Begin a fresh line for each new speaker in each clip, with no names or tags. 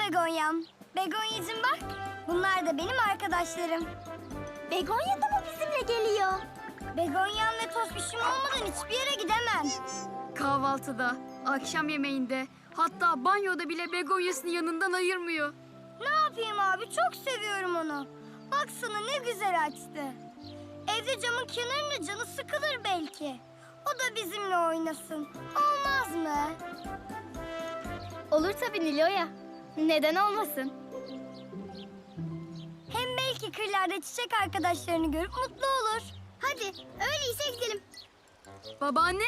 Begonya'm. Begonya'cığım bak. Bunlar da benim arkadaşlarım.
Begonya da mı bizimle geliyor?
Begonya'm ve Tospiş'im olmadan hiçbir yere gidemem.
Kahvaltıda, akşam yemeğinde, hatta banyoda bile begonyasını yanından ayırmıyor.
Ne yapayım abi? Çok seviyorum onu. Baksana ne güzel açtı. Evde camın kenarında canı sıkılır belki. O da bizimle oynasın. Olmaz mı?
Olur tabii Nilo'ya. Neden olmasın?
Hem belki kırlarda çiçek arkadaşlarını görüp mutlu olur.
Hadi öyleyse gidelim.
Babaanne,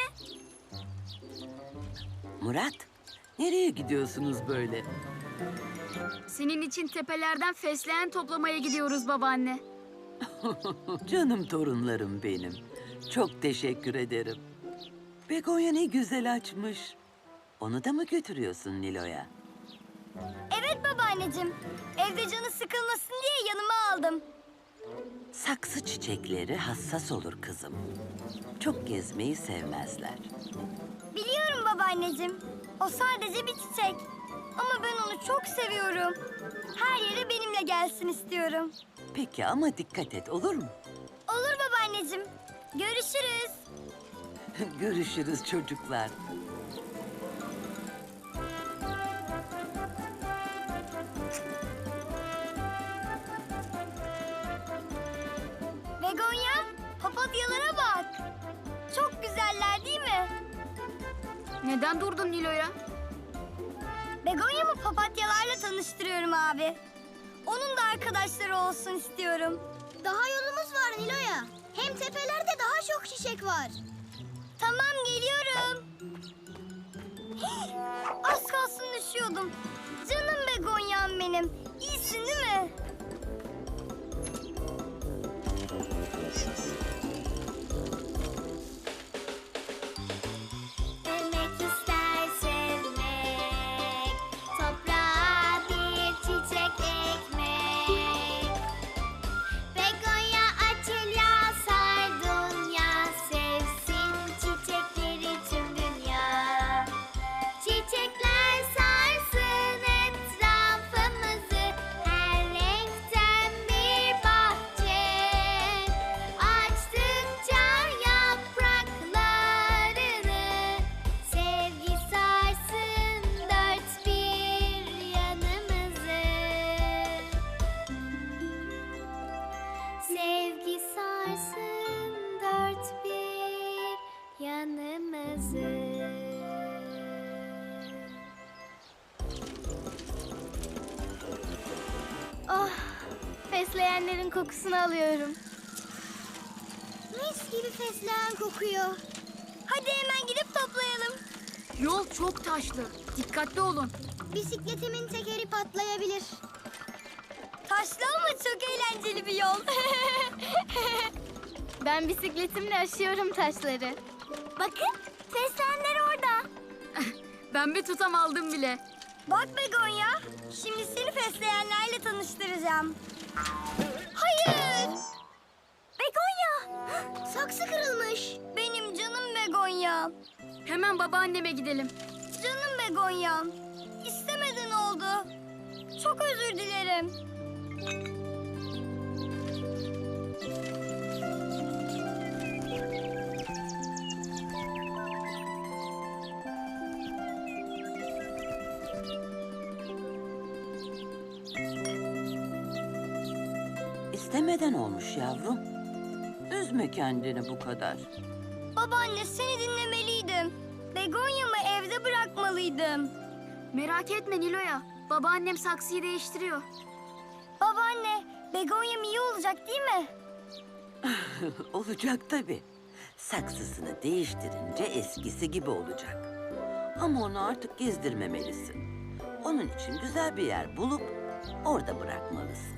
Murat, nereye gidiyorsunuz böyle?
senin için tepelerden fesleğen toplamaya gidiyoruz babaanne.
Canım torunlarım benim. Çok teşekkür ederim. Begonya ne güzel açmış. Onu da mı götürüyorsun Nilo'ya?
Evet babaanneciğim. Evde canı sıkılmasın diye yanıma aldım.
Saksı çiçekleri hassas olur kızım. Çok gezmeyi sevmezler.
Biliyorum babaanneciğim. O sadece bir çiçek. Ama ben onu çok seviyorum. Her yere benimle gelsin istiyorum.
Peki ama dikkat et, olur mu?
Olur babaanneciğim. Görüşürüz.
Görüşürüz çocuklar.
Begonya, papatyalara bak. Çok güzeller değil mi?
Neden durdun Nilo'ya?
Begonya'mı papatyalarla tanıştırıyorum abi. Onun da arkadaşları olsun istiyorum.
Daha yolumuz var Nilo'ya. Hem tepelerde daha çok çiçek var.
Tamam geliyorum. Hii, az kalsın düşüyordum. Canım Begonya'm benim. İyisin değil mi?
Sevmek ister sevmek, toprağa bir çiçek ekmek. Begonya Atilla Sardunya, sevsin çiçekleri tüm dünya. Çiçekler sarsın etrafımızı, her renkten bir bahçe. Açtıkça yapraklarını, sevgi sarsın dört bir yanımızı. Sevgi sarsın dört bir yanımızı. Oh, fesleğenlerin kokusunu alıyorum. Mis gibi fesleğen kokuyor.
Hadi hemen gidip toplayalım.
Yol çok taşlı. Dikkatli olun.
Bisikletimin tekeri patlayabilir.
Taşlı ama çok eğlenceli bir yol.
Ben bisikletimle aşıyorum taşları.
Bakın fesleğenler orada.
Ben bir tutam aldım bile.
Bak Begonya, şimdi seni fesleğenlerle tanıştıracağım. Hayır! Begonya!
Saksı kırılmış.
Benim canım Begonya.
Hemen babaanneme gidelim.
Canım Begonya. İstemeden oldu. Çok özür dilerim.
İstemeden olmuş yavrum. Üzme kendini bu kadar.
Babaanne seni dinlemeliydim. Begonya'mı evde bırakmalıydım.
Merak etme Nilo'ya. Babaannem saksıyı değiştiriyor.
Babaanne, Begonya'm iyi olacak değil mi?
Olacak tabii. Saksısını değiştirince eskisi gibi olacak. Ama onu artık gezdirmemelisin. Onun için güzel bir yer bulup orada bırakmalısın.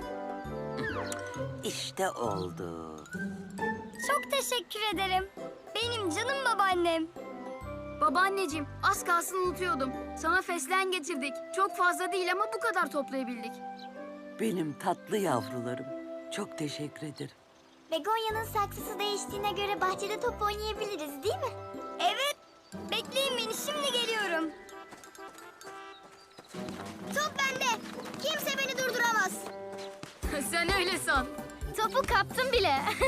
İşte oldu.
Çok teşekkür ederim. Benim canım babaannem.
Babaanneciğim, az kalsın unutuyordum. Sana fesleğen getirdik. Çok fazla değil ama bu kadar toplayabildik.
Benim tatlı yavrularım. Çok teşekkür ederim.
Begonya'nın saksısı değiştiğine göre bahçede top oynayabiliriz değil mi?
Evet, bekleyin beni şimdi geliyorum.
Top bende. Kimse beni durduramaz.
Sen öyle san.
Topu kaptım bile.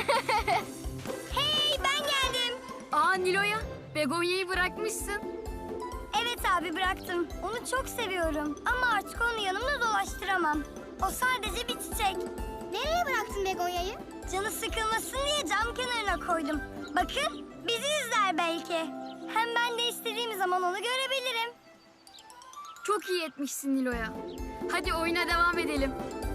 Hey ben geldim.
Aa Nilo'ya, begonyayı bırakmışsın.
Evet abi bıraktım. Onu çok seviyorum. Ama artık onu yanımda dolaştıramam. O sadece bir çiçek.
Nereye bıraktın begonyayı?
Canı sıkılmasın diye cam kenarına koydum. Bakın bizi izler belki. Hem ben de istediğim zaman onu görebilirim.
Çok iyi etmişsin Nilo'ya. Hadi oyuna devam edelim.